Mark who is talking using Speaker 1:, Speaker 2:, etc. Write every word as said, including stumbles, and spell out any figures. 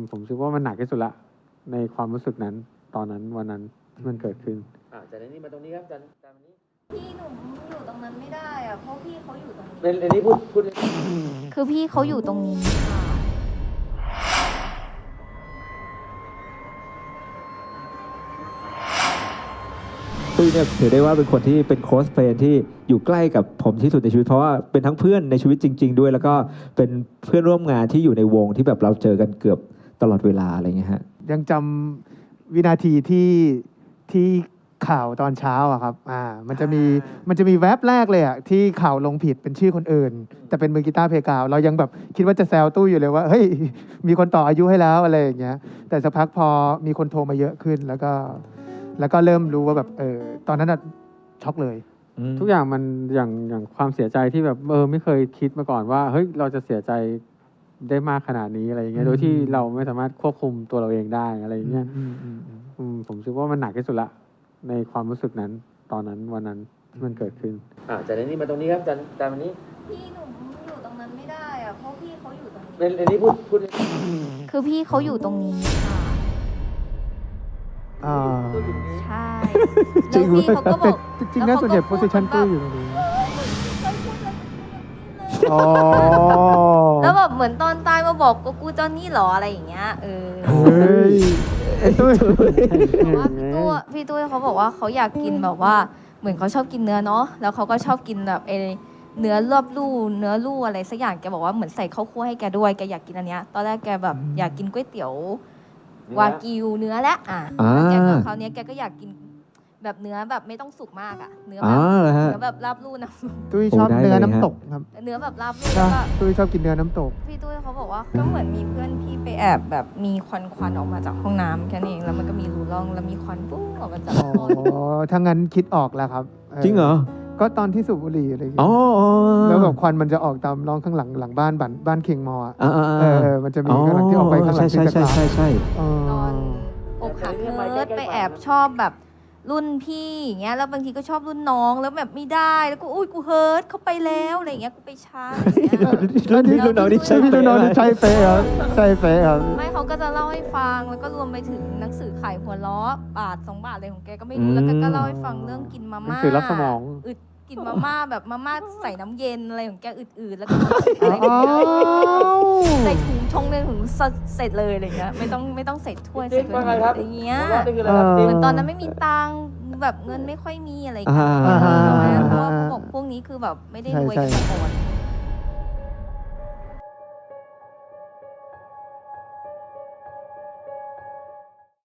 Speaker 1: ผมคิดว่ามันหนักที่สุดละในความรู้สึกนั้นตอนนั้นวันนั้นที่มันเกิดขึ้น
Speaker 2: อ่าจากนี้มาตรงนี้ครับอาจารย์อาจารย์วันนี้
Speaker 3: พี่หนุ่มอยู่ตรงนั้นไม่ได้อะเพราะพี่เขาอยู่ตรงนี้
Speaker 2: เป็นอันนี้พูดพูด
Speaker 3: คือพี่เขาอยู่ตรงนี้ค่ะ
Speaker 4: ตุ้ยเนี่ยถือได้ว่าเป็นคนที่เป็นโค้ชเฟรนที่อยู่ใกล้กับผมที่สุดในชีวิตเพราะว่าเป็นทั้งเพื่อนในชีวิตจริงๆด้วยแล้วก็เป็นเพื่อนร่วมงานที่อยู่ในวงที่แบบเราเจอกันเกือบตลอดเวลาอะไรเงี้ยฮะ
Speaker 5: ยังจำวินาทีที่ที่ข่าวตอนเช้าอะครับอ่ามันจะมีมันจะมีแว็บแรกเลยอะที่ข่าวลงผิดเป็นชื่อคนอื่น แต่เป็นมือกีตาร์เพกาวเรายังแบบคิดว่าจะแซวตู้อยู่เลยว่าเฮ้ยมีคนต่ออายุให้แล้วอะไรอย่างเงี้ยแต่สักพักพอมีคนโทรมาเยอะขึ้นแล้วก็แล้วก็เริ่มรู้ว่าแบบเออตอนนั้นอะช็อกเลย
Speaker 1: ทุกอย่างมันอย่างอย่างความเสียใจที่แบบเออไม่เคยคิดมาก่อนว่าเฮ้ยเราจะเสียใจได้มากขนาดนี้อะไรอย่างเงี้ยโดยที่เราไม่สามารถควบคุมตัวเราเองได้อะไรอย่างเงี้ยผมคิดว่ามันหนักที่สุดละในความรู้สึกนั้นตอนนั้นวันนั้นที่มันเกิดขึ้น
Speaker 2: อ่าจากนี้มาตรงนี้ครับอาจารย์อาจารย์วันนี้
Speaker 3: พี่หนุ่มอยู่ตรงนั้นไม่ได้อะเพราะพี่เขาอยู่ตรงนี้
Speaker 2: เป็นอันนี้พูดพูด
Speaker 3: คือพี่เขาอยู่ตรงนี้ค่ะ
Speaker 5: อ่า
Speaker 3: ใช่แล้วพี่เขาก็บอก
Speaker 5: จริงๆนะส่วนใหญ่โพสิชันตู้อยู่ตรงนี้
Speaker 3: แล้วแบบเหมือนตอนตายมาบอกกูกูตอนนี้หรออะไรอย่างเงี้ยเออ
Speaker 5: ตุ้ย
Speaker 3: แต่ว่าพี่ตู้พี่ตู้เขาบอกว่าเขาอยากกินแบบว่าเหมือนเขาชอบกินเนื้อเนาะแล้วเขาก็ชอบกินแบบเอเนื้อรอบลู่เนื้อลู่อะไรสักอย่างแกบอกว่าเหมือนใส่ข้าวคั่วให้แกด้วยแกอยากกินอันเนี้ยตอนแรกแกแบบอยากกินก๋วยเตี๋ยววากิวเนื้อและอ่ะแกกับเขาเนี้ยแกก็อยากกินแบบเนื้อแบบไม่ต้องสุกมากอ่ะเนื้อแบบเนื้อแบบราบลู่นะ
Speaker 5: ตุ้ยชอบเนื้อน้ำตกครับ
Speaker 3: เนื้อแบบราบลู่แล้วก็
Speaker 5: ตุ้ยชอบกินเนื้อน้ำตก
Speaker 3: พี่ตุ้ยเขาบอกว่าก็เหมือนมีเพื่อนพี่ไปแอบแบบมีควันควันออกมาจากห้องน้ำแค่นี้เองแล้วมันก็มีรูร่องแล้วมีควันปุ๊บออกมาจากห้อง
Speaker 5: อ๋อถ้างั้นคิดออกแล้วครับ
Speaker 4: จริงเหรอ
Speaker 5: ก็ตอนที่สูบบุหรี่อะไรอย่างเงี้
Speaker 4: ย
Speaker 5: แล้วแบบควันมันจะออกตามร่องข้างหลังหลังบ้านบ้านบ้านเคงมออ่ะ
Speaker 4: เอ
Speaker 5: อมันจะมีข้างหลังที่ออกไปข้างหลังที่
Speaker 4: จะใช่ใช่ใช่
Speaker 3: ตอนอกหักเนิร์ดไปแอบชอบแบบรุ่นพี่อย่างเงี้ยแล้วบางทีก็ชอบรุ่นน้องแล้วแบบไม่ได้แล้วก็อุ้ยกูเฮิร์ตเขาไปแล้วอะไรอย่างเงี้ยกูไปช้าอะไรอย่างเงี้ย
Speaker 4: รุ่นพี่รุ่นน้องนี่ใช่
Speaker 5: พี่รุ่นน้องนี่ใช่เป๊ะครับใช่เป๊ะครับ
Speaker 3: ไม่เขาก็จะเล่าให้ฟังแล้วก็รวมไปถึงหนังสือขายหัวล้อบาทสองบาทอะไรของแกก็ไม่รู้แล้วก็เล่าให้ฟังเรื่องกินมาม่า
Speaker 1: คือรับสมอง
Speaker 3: อึดกินมาม่าแบบมาม่าใส่น้ำเย็นอะไรของแกอืดๆแล้วก็ใส่ถุงชงในถุงเสร็จเลยอะไรเงี้ยไม่ต้องไม่ต้องใส่ถ้วยใส่ถ้วยอะไรเงี้ยเหมือนตอนนั้นไม่มีตังค์แบบเงินไม่ค่อยมีอะไรอย่างเงี้ยเพราะว่าเขาบอกพวกนี้คือแบบไม่ได้รวยกันมาก่อน